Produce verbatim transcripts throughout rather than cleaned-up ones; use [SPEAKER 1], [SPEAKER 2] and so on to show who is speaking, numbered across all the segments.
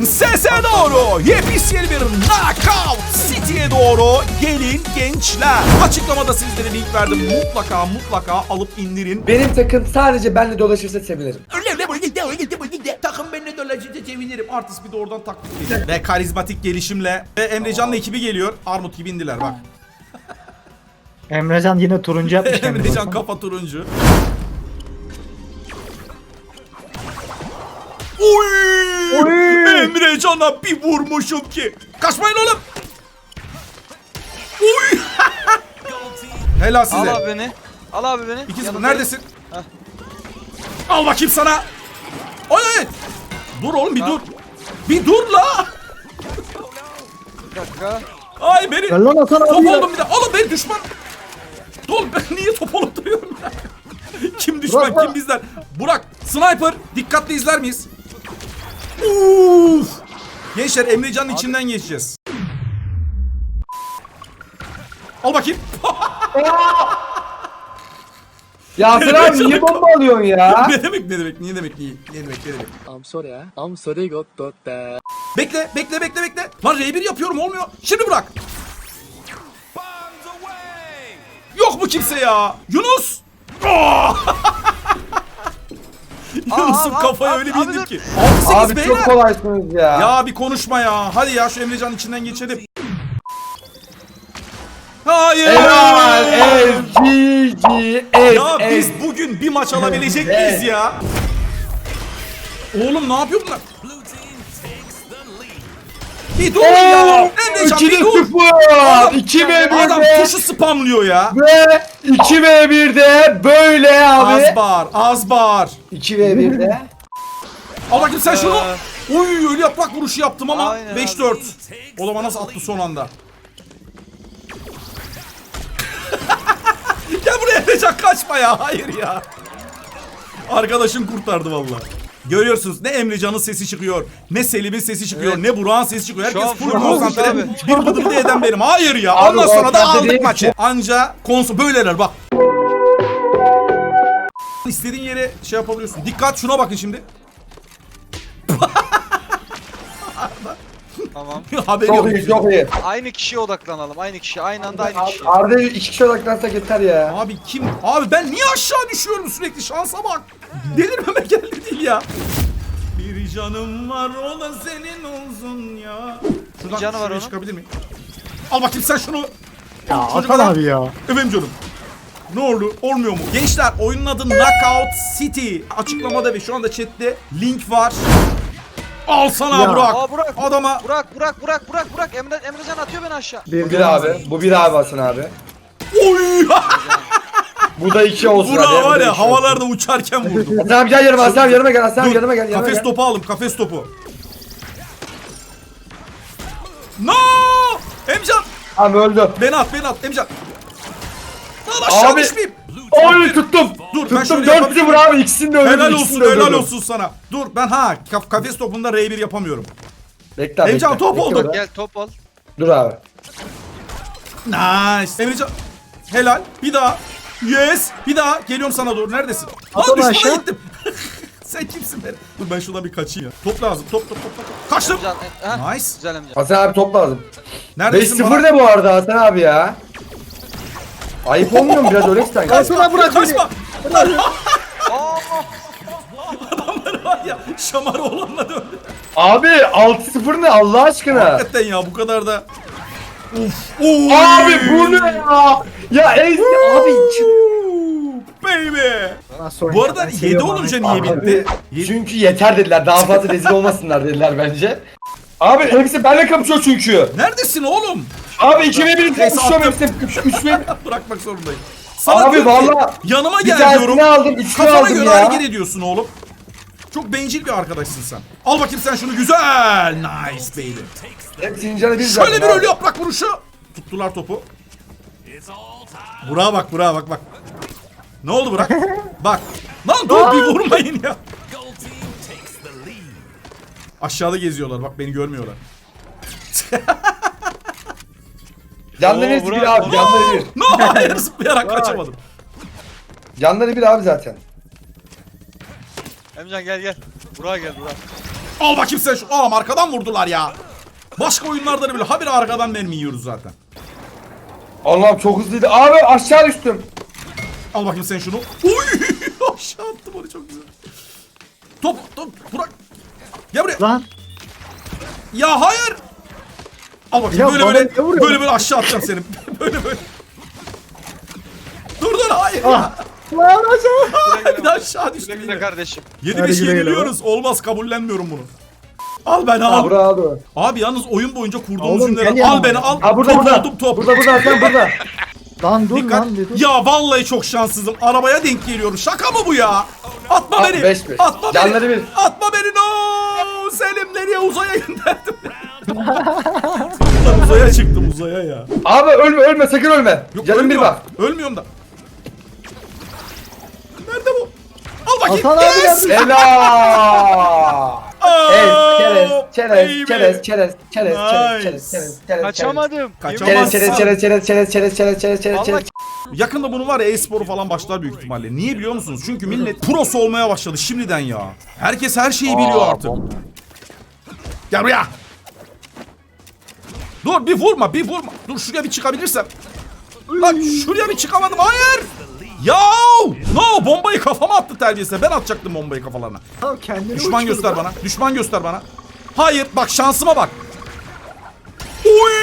[SPEAKER 1] Sese doğru yepyeni bir Knockout City'ye doğru gelin gençler. Açıklamada sizlere link verdim. Mutlaka mutlaka alıp indirin.
[SPEAKER 2] Benim takım sadece benle dolaşırsa sevinirim.
[SPEAKER 1] Takım benimle dolaşırsa sevinirim. Artist bir de oradan taklit ediyor. Ve karizmatik gelişimle ve Emrecan'la ekibi geliyor. Armut gibi indiler bak.
[SPEAKER 3] Emrecan yine turuncu yapmış.
[SPEAKER 1] Emrecan kafa turuncu. Oy!
[SPEAKER 3] Oy!
[SPEAKER 1] Emrecan'a bir vurmuşum ki. Kaçmayın oğlum. Oy! Helal size.
[SPEAKER 4] Al abi beni. Al abi beni.
[SPEAKER 1] İki sıfır.
[SPEAKER 4] Yanındayım.
[SPEAKER 1] Neredesin? Al bakayım sana. Oy! Dur oğlum bir
[SPEAKER 4] Ha.
[SPEAKER 1] dur. Bir dur la.
[SPEAKER 4] Bir dakika.
[SPEAKER 1] Ay beni.
[SPEAKER 3] Gel lan Hasan
[SPEAKER 1] Top
[SPEAKER 3] abi ya.
[SPEAKER 1] oldum bir de. Oğlum beni düşman. Oğlum ben niye top olup duruyorum ya? Kim düşman
[SPEAKER 3] Burak,
[SPEAKER 1] kim
[SPEAKER 3] Burak.
[SPEAKER 1] bizden? Burak sniper dikkatli izler miyiz? Uf! Gençler Emrecan'ın içinden geçeceğiz. Al bakayım.
[SPEAKER 2] Ya sen abi niye bomba alıyorsun ya?
[SPEAKER 1] ne demek ne demek ne demek ne, ne demek ne demek.
[SPEAKER 5] I'm sorry, ah. I'm sorry, got that.
[SPEAKER 1] Bekle bekle bekle bekle. Lan R bir yapıyorum olmuyor. Şimdi bırak. Yok mu kimse ya? Yunus. Yunus'un
[SPEAKER 4] Aa,
[SPEAKER 1] kafaya
[SPEAKER 4] abi,
[SPEAKER 1] öyle
[SPEAKER 4] abi,
[SPEAKER 1] bir indim
[SPEAKER 4] dur.
[SPEAKER 1] ki. altı sekiz
[SPEAKER 2] Abi
[SPEAKER 1] beyler.
[SPEAKER 2] çok kolaysınız ya.
[SPEAKER 1] Ya bir konuşma ya. Hadi ya şu Emrecan'ın içinden geçelim. Hayır.
[SPEAKER 2] Helal. Ez. G G. Ez.
[SPEAKER 1] Ya
[SPEAKER 2] Ez.
[SPEAKER 1] biz bugün bir maç alabilecek
[SPEAKER 2] Evet.
[SPEAKER 1] miyiz ya? Oğlum ne yapıyor bunlar? Bir dur ya. Emrecan
[SPEAKER 2] iki
[SPEAKER 1] bir dur.
[SPEAKER 2] sıfır. iki ve
[SPEAKER 1] Adam
[SPEAKER 2] birde.
[SPEAKER 1] tuşu spamlıyor ya.
[SPEAKER 2] Ve iki ve birde böyle abi.
[SPEAKER 1] Az bağır, az bağır.
[SPEAKER 2] iki ve birde.
[SPEAKER 1] Al bakayım sen şunu.
[SPEAKER 4] Ee.
[SPEAKER 1] Oy öyle yaprak vuruşu yaptım ama
[SPEAKER 4] Aynen
[SPEAKER 1] beş
[SPEAKER 4] abi.
[SPEAKER 1] dört. O zaman nasıl attı son anda? Gel buraya Emrecan kaçma ya. Hayır ya. Arkadaşım kurtardı vallahi. Görüyorsunuz ne Emrecan'ın sesi çıkıyor, ne Selim'in sesi çıkıyor,
[SPEAKER 4] Evet.
[SPEAKER 1] ne Burak'ın sesi çıkıyor.
[SPEAKER 4] Şu
[SPEAKER 1] Herkes
[SPEAKER 4] an
[SPEAKER 1] full
[SPEAKER 4] full
[SPEAKER 1] konsantre.
[SPEAKER 4] abi.
[SPEAKER 1] Bir bıdırdı eden benim. Hayır ya.
[SPEAKER 2] Abi
[SPEAKER 1] Ondan sonra da
[SPEAKER 2] konsantre
[SPEAKER 1] aldık
[SPEAKER 2] değil.
[SPEAKER 1] maçı. Anca konsol böyleler bak. İstediğin yere şey yapabiliyorsun. Dikkat şuna bakın şimdi.
[SPEAKER 4] Tamam.
[SPEAKER 1] Haberi
[SPEAKER 2] Çok
[SPEAKER 1] yok.
[SPEAKER 2] iyi çok iyi.
[SPEAKER 4] Aynı kişiye odaklanalım. Aynı kişi. Aynı anda aynı kişi.
[SPEAKER 2] Arda iki kişi odaklansak yeter ya.
[SPEAKER 1] Abi kim? Abi ben niye aşağı düşüyorum sürekli? Şansa bak. Delirmeme geldi değil ya. Bir canım var o da senin olsun ya. Şuradan
[SPEAKER 4] canı var
[SPEAKER 1] şuraya
[SPEAKER 4] onun.
[SPEAKER 1] çıkabilir miyim? Al bakayım sen şunu.
[SPEAKER 3] Ya Hasan
[SPEAKER 1] Çocuklar-
[SPEAKER 3] abi ya.
[SPEAKER 1] Efendim canım. Ne oldu? Olmuyor mu? Gençler oyunun adı Knockout City. Açıklamada ve şu anda chatte link var. Al sana
[SPEAKER 3] Ya.
[SPEAKER 1] Burak.
[SPEAKER 4] Aa Burak.
[SPEAKER 1] Adama.
[SPEAKER 4] Burak Burak Burak Burak Burak Emre Emrecan atıyor beni aşağı.
[SPEAKER 2] Bu bir abi. Bu bir abi Hasan abi.
[SPEAKER 1] Oy!
[SPEAKER 2] Bu da iki olsun
[SPEAKER 1] Burak
[SPEAKER 2] hadi. bu da
[SPEAKER 1] var ya
[SPEAKER 2] iki olsun.
[SPEAKER 1] havalarda uçarken vurdum.
[SPEAKER 2] Hasan abi gel yanıma Hasan abi yanıma gel Hasan abi
[SPEAKER 1] Dur,
[SPEAKER 2] yanıma gel yanıma
[SPEAKER 1] kafes
[SPEAKER 2] gel.
[SPEAKER 1] topu aldım, kafes topu. No! Emcan!
[SPEAKER 2] Abi öldü.
[SPEAKER 1] Beni at, beni at, Emcan. Lan aşağı
[SPEAKER 2] Abi.
[SPEAKER 1] düşmeyeyim.
[SPEAKER 2] Oy tuttum.
[SPEAKER 1] Dur, ben
[SPEAKER 2] Tuttum
[SPEAKER 1] şöyle
[SPEAKER 2] dört
[SPEAKER 1] yapabilirim.
[SPEAKER 2] sıfır abi ikisini de öldürdüm.
[SPEAKER 1] Helal
[SPEAKER 2] ikisini
[SPEAKER 1] olsun,
[SPEAKER 2] de
[SPEAKER 1] helal
[SPEAKER 2] öldürdüm.
[SPEAKER 1] olsun sana. Dur, ben ha, kaf kafes topunda R bir yapamıyorum.
[SPEAKER 2] Bekle abi.
[SPEAKER 1] Emcan,
[SPEAKER 2] bekle.
[SPEAKER 1] top
[SPEAKER 2] Bekle
[SPEAKER 1] oldu.
[SPEAKER 2] burada.
[SPEAKER 4] Gel top al.
[SPEAKER 2] Dur abi.
[SPEAKER 1] Nice. Emrecan. Helal. Bir daha. Yes. Bir daha. Geliyorum sana doğru. Neredesin? Lan
[SPEAKER 3] Atla
[SPEAKER 1] düşmana
[SPEAKER 3] aşağı.
[SPEAKER 1] gittim. Sen kimsin be? Dur ben şuradan bir kaçayım ya. Top lazım. Top top top. top. Kaçtım.
[SPEAKER 4] Emrecan. e, ha?
[SPEAKER 1] Nice.
[SPEAKER 4] Güzel Emrecan.
[SPEAKER 2] Hasan abi top lazım. beş
[SPEAKER 1] Neredesin
[SPEAKER 2] sıfır
[SPEAKER 1] bana?
[SPEAKER 2] ne bu arada Hasan abi ya? Ayıp olmuyor mu biraz öyle sen?
[SPEAKER 1] Kaçma bırak kaçma.
[SPEAKER 4] Aa!
[SPEAKER 1] Adamlar var ya şamar olanla döndü.
[SPEAKER 2] Abi altı sıfır ne Allah aşkına?
[SPEAKER 1] Hakikaten ya bu kadar da. Uf. Oy.
[SPEAKER 2] Abi bu ne ya? Ya Ezgi abi
[SPEAKER 1] Ooh, baby.
[SPEAKER 3] Nasıl
[SPEAKER 1] Bu
[SPEAKER 3] oynuyor?
[SPEAKER 1] arada
[SPEAKER 3] Ben
[SPEAKER 1] yedi
[SPEAKER 3] seviyorum
[SPEAKER 1] olunca
[SPEAKER 3] Ahmet.
[SPEAKER 1] niye bitti? Yedi-
[SPEAKER 2] çünkü yeter dediler daha fazla rezil olmasınlar dediler bence. Abi hepsi benimle kapışıyor çünkü.
[SPEAKER 1] Neredesin oğlum?
[SPEAKER 2] Abi iki ve bir
[SPEAKER 1] Neyse,
[SPEAKER 2] kapışıyorum
[SPEAKER 1] attım.
[SPEAKER 2] hepsi üç ve
[SPEAKER 1] Bırakmak zorundayım. Sana
[SPEAKER 2] Abi
[SPEAKER 1] diyorum ki,
[SPEAKER 2] valla
[SPEAKER 1] yanıma
[SPEAKER 2] bir
[SPEAKER 1] gel diyorum.
[SPEAKER 2] tanesini aldım üçünü
[SPEAKER 1] Kafana
[SPEAKER 2] aldım
[SPEAKER 1] göre
[SPEAKER 2] ya.
[SPEAKER 1] hareket ediyorsun oğlum. Çok bencil bir arkadaşsın sen. Al bakayım sen şunu güzel. Nice baby.
[SPEAKER 2] Hepsinin canı bir
[SPEAKER 1] Şöyle bir
[SPEAKER 2] zaten
[SPEAKER 1] ölü
[SPEAKER 2] abi.
[SPEAKER 1] yaprak vuruşu. Tuttular topu. Burak'a bak Burak'a bak bak. Ne oldu Burak? Bak. Lan dur bir vurmayın ya. Aşağıda geziyorlar bak beni görmüyorlar.
[SPEAKER 2] Canları
[SPEAKER 4] Oo,
[SPEAKER 2] hepsi
[SPEAKER 4] Burak,
[SPEAKER 2] bir abi canları bir.
[SPEAKER 1] No hayır zıplayarak kaçamadım.
[SPEAKER 2] Canları bir abi zaten.
[SPEAKER 4] Emrecan gel gel. Burak gel Burak.
[SPEAKER 1] Al bakayım sen şu. Aa arkadan vurdular ya. Başka oyunlarda da böyle habire arkadan mermi yiyoruz zaten.
[SPEAKER 2] Allah'ım çok hızlıydı. Abi aşağı düştüm.
[SPEAKER 1] Al bakayım sen şunu. Uy! Aşağı attım onu çok güzel. Top top bırak. Gel buraya.
[SPEAKER 3] Lan.
[SPEAKER 1] Ya hayır. Al bakayım
[SPEAKER 3] Ya
[SPEAKER 1] böyle
[SPEAKER 3] bana
[SPEAKER 1] böyle
[SPEAKER 3] niye vuruyorsun?
[SPEAKER 1] böyle böyle aşağı atacağım seni. böyle böyle. Dur dur hayır.
[SPEAKER 3] Ah. Lan aşağı.
[SPEAKER 1] Bir de aşağı düştüm
[SPEAKER 4] Güle güle
[SPEAKER 1] yine.
[SPEAKER 4] kardeşim.
[SPEAKER 1] yedi
[SPEAKER 3] Hadi
[SPEAKER 1] beş
[SPEAKER 3] güle güle
[SPEAKER 1] yeniliyoruz. Olmaz kabullenmiyorum bunu. Al beni al.
[SPEAKER 2] Ha burada abi.
[SPEAKER 1] Abi yalnız oyun boyunca kurduğumuz
[SPEAKER 3] Oğlum,
[SPEAKER 1] cümleler.
[SPEAKER 3] gel yanıma.
[SPEAKER 1] Al beni al.
[SPEAKER 2] Ha burada
[SPEAKER 1] top
[SPEAKER 2] burada.
[SPEAKER 1] oldum top.
[SPEAKER 2] Burada burada sen burada.
[SPEAKER 3] Lan dur
[SPEAKER 1] Dikkat.
[SPEAKER 3] lan. Dur.
[SPEAKER 1] Ya vallahi çok şanssızım. Arabaya denk geliyorum. Şaka mı bu ya? Atma
[SPEAKER 2] Al,
[SPEAKER 1] beni.
[SPEAKER 2] beş beş.
[SPEAKER 1] Atma
[SPEAKER 2] Canları
[SPEAKER 1] beni.
[SPEAKER 2] bir.
[SPEAKER 1] Atma beni. No. Selim nereye uzaya gönderdim? Lan uzaya çıktım uzaya ya.
[SPEAKER 2] Abi ölme ölme sakın ölme.
[SPEAKER 1] Yok,
[SPEAKER 2] Canım bir
[SPEAKER 1] ölmüyorum.
[SPEAKER 2] bak.
[SPEAKER 1] Ölmüyorum da. Nerede bu? Al bakayım.
[SPEAKER 3] Hasan abi
[SPEAKER 1] Yes.
[SPEAKER 3] geldi.
[SPEAKER 2] Helal.
[SPEAKER 1] Oh,
[SPEAKER 2] Evet, çerez, çerez,
[SPEAKER 1] baby.
[SPEAKER 2] çerez, çerez, çerez,
[SPEAKER 1] Nice.
[SPEAKER 2] çerez, çerez, çerez,
[SPEAKER 4] Kaçamadım.
[SPEAKER 1] Kaçamazsın.
[SPEAKER 2] çerez, çerez, çerez, çerez, çerez, çerez, çerez, çerez,
[SPEAKER 4] Allah
[SPEAKER 2] çerez.
[SPEAKER 1] Yakında bunun var ya e-sporu falan başlar büyük ihtimalle. Niye biliyor musunuz? Çünkü millet prosu olmaya başladı şimdiden ya. Herkes her şeyi biliyor artık. Gel buraya. Dur bir vurma bir vurma. Dur şuraya bir çıkabilirsem. Lan şuraya bir çıkamadım hayır. Ya no bombayı kafama attı terbiyesiz. Ben atacaktım bombayı kafalarına.
[SPEAKER 3] Tamam, kendini
[SPEAKER 1] Düşman
[SPEAKER 3] uçurdu
[SPEAKER 1] göster
[SPEAKER 3] lan.
[SPEAKER 1] bana. Düşman göster bana. Hayır bak şansıma bak. Oy!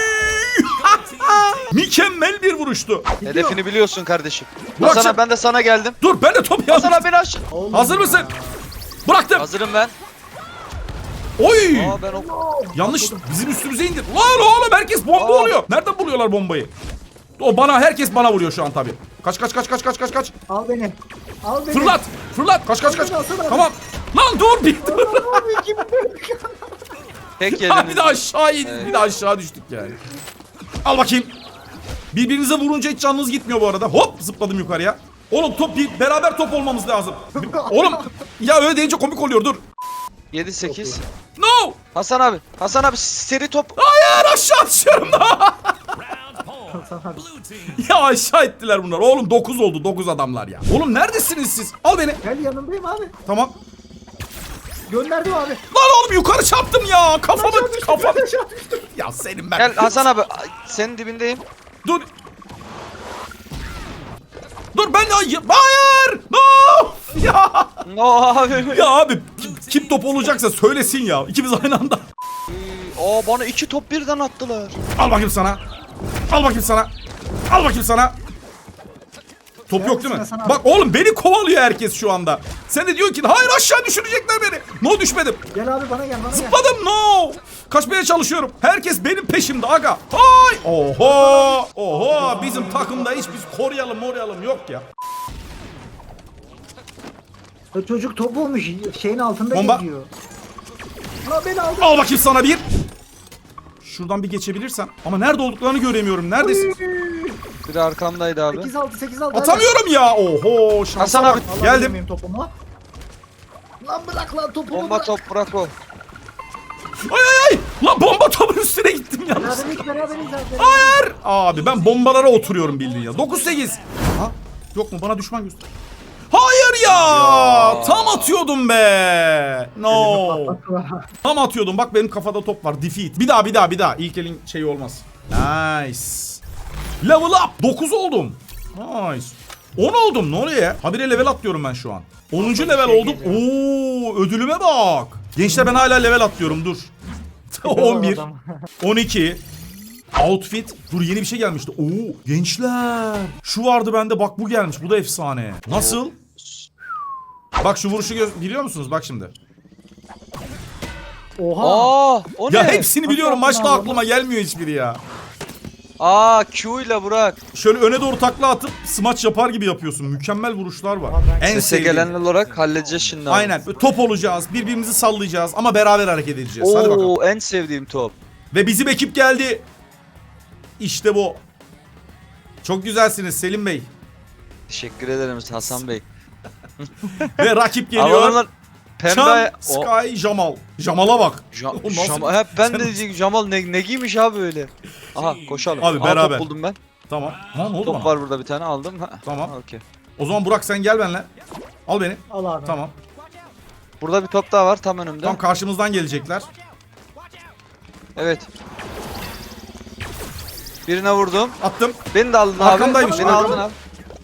[SPEAKER 1] Mükemmel bir vuruştu.
[SPEAKER 4] Hedefini biliyorsun kardeşim.
[SPEAKER 1] Bırak
[SPEAKER 4] Hasan
[SPEAKER 1] sen-
[SPEAKER 4] abi ben de sana geldim.
[SPEAKER 1] Dur ben de top
[SPEAKER 4] Hasan
[SPEAKER 1] yaptım.
[SPEAKER 4] abi beni aşağı.
[SPEAKER 3] Oğlum
[SPEAKER 1] Hazır
[SPEAKER 3] ya.
[SPEAKER 1] mısın? Bıraktım.
[SPEAKER 4] Hazırım ben.
[SPEAKER 1] Oy!
[SPEAKER 4] Aa ben o...
[SPEAKER 1] Yanlış bizim üstümüze indir. Lan oğlum herkes bomba
[SPEAKER 4] Aa.
[SPEAKER 1] oluyor. Nereden buluyorlar bombayı? O bana herkes bana vuruyor şu an tabii. Kaç kaç kaç kaç kaç kaç kaç.
[SPEAKER 3] Al beni. Al beni.
[SPEAKER 1] Fırlat. Fırlat. Kaç kaç kaç.
[SPEAKER 3] Al beni, al beni.
[SPEAKER 1] Tamam. Lan dur bir dur.
[SPEAKER 3] Abi kim
[SPEAKER 4] Tek
[SPEAKER 1] Ya bir
[SPEAKER 4] yediniz.
[SPEAKER 1] de aşağı indik. Bir de aşağı düştük yani. Al bakayım. Birbirinize vurunca hiç canınız gitmiyor bu arada. Hop zıpladım yukarıya. Oğlum top bir beraber top olmamız lazım. Oğlum ya öyle deyince komik oluyor dur.
[SPEAKER 4] yedi sekiz.
[SPEAKER 1] No.
[SPEAKER 4] Hasan abi. Hasan abi seri top.
[SPEAKER 1] Hayır aşağı düşüyorum da.
[SPEAKER 3] Hasan abi.
[SPEAKER 1] Ya aşağı ettiler bunlar. Oğlum dokuz oldu. dokuz adamlar ya. Oğlum neredesiniz siz? Al beni.
[SPEAKER 3] Gel yanındayım abi.
[SPEAKER 1] Tamam.
[SPEAKER 3] Gönderdim abi.
[SPEAKER 1] Lan oğlum yukarı çarptım ya. Kafamı
[SPEAKER 3] Aşağı düştüm,
[SPEAKER 1] kafam.
[SPEAKER 3] aşağı düştüm.
[SPEAKER 1] Ya senin ben.
[SPEAKER 4] Gel Hasan abi. Ay, senin dibindeyim.
[SPEAKER 1] Dur. Dur ben ya. Hayır. No. Ya.
[SPEAKER 4] No abi.
[SPEAKER 1] Ya abi kim, kim top olacaksa söylesin ya. İkimiz aynı anda.
[SPEAKER 4] Aa bana iki top birden attılar.
[SPEAKER 1] Al bakayım sana. Al bakayım sana. Al bakayım sana. Top yok değil mi?
[SPEAKER 3] Hasan abi.
[SPEAKER 1] Bak oğlum beni kovalıyor herkes şu anda. Sen de diyorsun ki hayır aşağı düşürecekler beni. No düşmedim.
[SPEAKER 3] Gel abi bana gel bana gel.
[SPEAKER 1] Zıpladım no. Kaçmaya çalışıyorum. Herkes benim peşimde aga. Hay. Oho. Oho. Bizim takımda hiç biz koruyalım moruyalım yok ya.
[SPEAKER 3] O çocuk top olmuş. Şeyin altında
[SPEAKER 1] Bomba.
[SPEAKER 3] geziyor. Lan beni aldı.
[SPEAKER 1] Al bakayım sana bir. Şuradan bir geçebilirsem. Ama nerede olduklarını göremiyorum. Neredesin?
[SPEAKER 4] Biri arkamdaydı abi.
[SPEAKER 3] sekiz altı sekiz altı.
[SPEAKER 1] Atamıyorum ya. Oho. Şansa
[SPEAKER 4] Hasan
[SPEAKER 1] bak.
[SPEAKER 4] abi.
[SPEAKER 1] Geldim.
[SPEAKER 3] Topumu. Lan bırak lan topumu
[SPEAKER 4] Bomba
[SPEAKER 3] bırak.
[SPEAKER 4] top bırak o.
[SPEAKER 1] Ay ay ay. Lan bomba topun üstüne gittim yalnız.
[SPEAKER 3] Beraberiz beraberiz zaten.
[SPEAKER 1] Hayır. Abi ben bombalara oturuyorum bildiğin ya. dokuz sekiz. Ha? Yok mu? Bana düşman göster. Hayır ya.
[SPEAKER 4] Ya.
[SPEAKER 1] Tam atıyordum be. No. Tam atıyordum. Bak benim kafada top var. Defeat. Bir daha bir daha bir daha. İlk elin şeyi olmaz. Nice. Level up. dokuz oldum. Nice. on oldum. Ne oluyor ya? Habire level atlıyorum ben şu an. onuncu level oldum. Oo, ödülüme bak. Gençler ben hala level atlıyorum. Dur. on bir. on iki. Outfit. Dur yeni bir şey gelmişti. Oo gençler. Şu vardı bende bak bu gelmiş. Bu da efsane. Nasıl? Bak şu vuruşu gö- biliyor musunuz? Bak şimdi.
[SPEAKER 3] Oha.
[SPEAKER 4] Aa o ne?
[SPEAKER 1] Ya hepsini biliyorum.
[SPEAKER 3] Nasıl
[SPEAKER 1] Başka
[SPEAKER 3] yaptın
[SPEAKER 1] aklıma gelmiyor hiçbiri ya.
[SPEAKER 4] Aa Q ile Burak.
[SPEAKER 1] Şöyle öne doğru takla atıp smaç yapar gibi yapıyorsun. Mükemmel vuruşlar var. En
[SPEAKER 4] Sese
[SPEAKER 1] sevdiğim.
[SPEAKER 4] gelen olarak halledeceğiz şimdi abi.
[SPEAKER 1] Aynen. Böyle top olacağız. Birbirimizi sallayacağız ama beraber hareket edeceğiz. Hadi bakalım.
[SPEAKER 4] Oo en sevdiğim top.
[SPEAKER 1] Ve bizim ekip geldi. İşte bu. Çok güzelsiniz Selim Bey.
[SPEAKER 4] Teşekkür ederim Hasan Bey.
[SPEAKER 1] Ve rakip
[SPEAKER 4] Alalım
[SPEAKER 1] geliyor.
[SPEAKER 4] lan. Pembe.
[SPEAKER 1] Can,
[SPEAKER 4] O-
[SPEAKER 1] Sky, Jamal. Jamal'a bak.
[SPEAKER 4] Ja-
[SPEAKER 1] O nasıl-
[SPEAKER 4] Jam- hep ben de
[SPEAKER 1] Sen-
[SPEAKER 4] diyecek Jamal ne, ne giymiş abi öyle. Aha koşalım.
[SPEAKER 1] Abi,
[SPEAKER 4] Aha,
[SPEAKER 1] beraber.
[SPEAKER 4] top buldum ben.
[SPEAKER 1] Tamam. Ha ne oldu
[SPEAKER 4] Top
[SPEAKER 1] bana?
[SPEAKER 4] var burada bir tane aldım. Ha.
[SPEAKER 1] Tamam.
[SPEAKER 4] Ha, okey.
[SPEAKER 1] O zaman Burak sen gel benimle. Al beni.
[SPEAKER 3] Al abi.
[SPEAKER 1] Tamam.
[SPEAKER 4] Burada bir top daha var tam önümde.
[SPEAKER 1] Tam karşımızdan gelecekler.
[SPEAKER 4] Evet. Birine vurdum.
[SPEAKER 1] Attım.
[SPEAKER 4] Beni de aldın abi.
[SPEAKER 1] Arkamdaymış,
[SPEAKER 4] Beni
[SPEAKER 1] arkam.
[SPEAKER 4] aldın abi.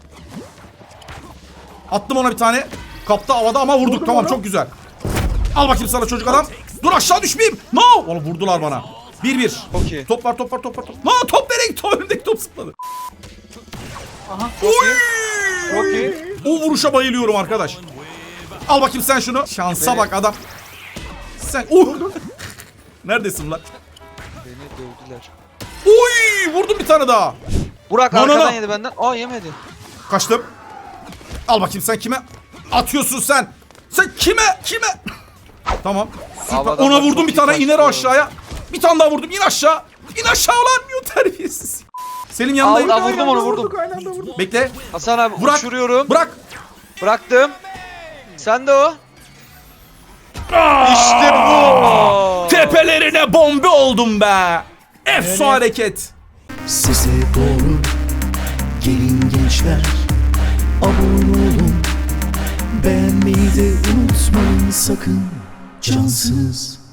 [SPEAKER 1] Attım ona bir tane. Kaptı havada ama vurduk.
[SPEAKER 3] Vurdum
[SPEAKER 1] Tamam
[SPEAKER 3] onu.
[SPEAKER 1] çok güzel. Al bakayım sana çocuk adam. Dur aşağı düşmeyeyim. No. Oğlum vurdular bana. bir bir.
[SPEAKER 4] Çok iyi.
[SPEAKER 1] Top var top var top var. Top. No top nereye gitti? Önümdeki top zıpladı.
[SPEAKER 4] Çok iyi. Çok iyi.
[SPEAKER 1] O vuruşa bayılıyorum arkadaş. Al bakayım sen şunu. Şansa bak adam. Sen uh. Neredesin lan?
[SPEAKER 4] Beni dövdüler.
[SPEAKER 1] Uy vurdum bir tane daha.
[SPEAKER 4] Burak
[SPEAKER 1] No, no,
[SPEAKER 4] arkadan
[SPEAKER 1] no.
[SPEAKER 4] yedi benden. Aa yemedi.
[SPEAKER 1] Kaçtım. Al bakayım sen kime atıyorsun sen? Sen kime? Kime? Tamam. Süper.
[SPEAKER 4] Abi
[SPEAKER 1] Ona
[SPEAKER 4] adamlar
[SPEAKER 1] vurdum
[SPEAKER 4] çok
[SPEAKER 1] bir
[SPEAKER 4] iyi
[SPEAKER 1] tane
[SPEAKER 4] kaçtı
[SPEAKER 1] iner
[SPEAKER 4] bu arada.
[SPEAKER 1] aşağıya. Bir tane daha vurdum. İn aşağı. İn aşağı ulan. Yo terbiyesiz. Selim yanındayım.
[SPEAKER 4] Al, al. vurdum
[SPEAKER 3] Aynı
[SPEAKER 4] onu,
[SPEAKER 3] anda
[SPEAKER 4] vurdum.
[SPEAKER 3] vurduk, aynı anda vurduk.
[SPEAKER 1] Bekle.
[SPEAKER 4] Hasan abi
[SPEAKER 1] Bırak.
[SPEAKER 4] uçuruyorum.
[SPEAKER 1] Bırak.
[SPEAKER 4] Bıraktım. Sen de o. İşte bu.
[SPEAKER 1] Tepelerine bombe oldum be. Efso hareket.
[SPEAKER 6] Size doğru gelin gençler, abone olun, beğenmeyi de unutmayın sakın, cansız.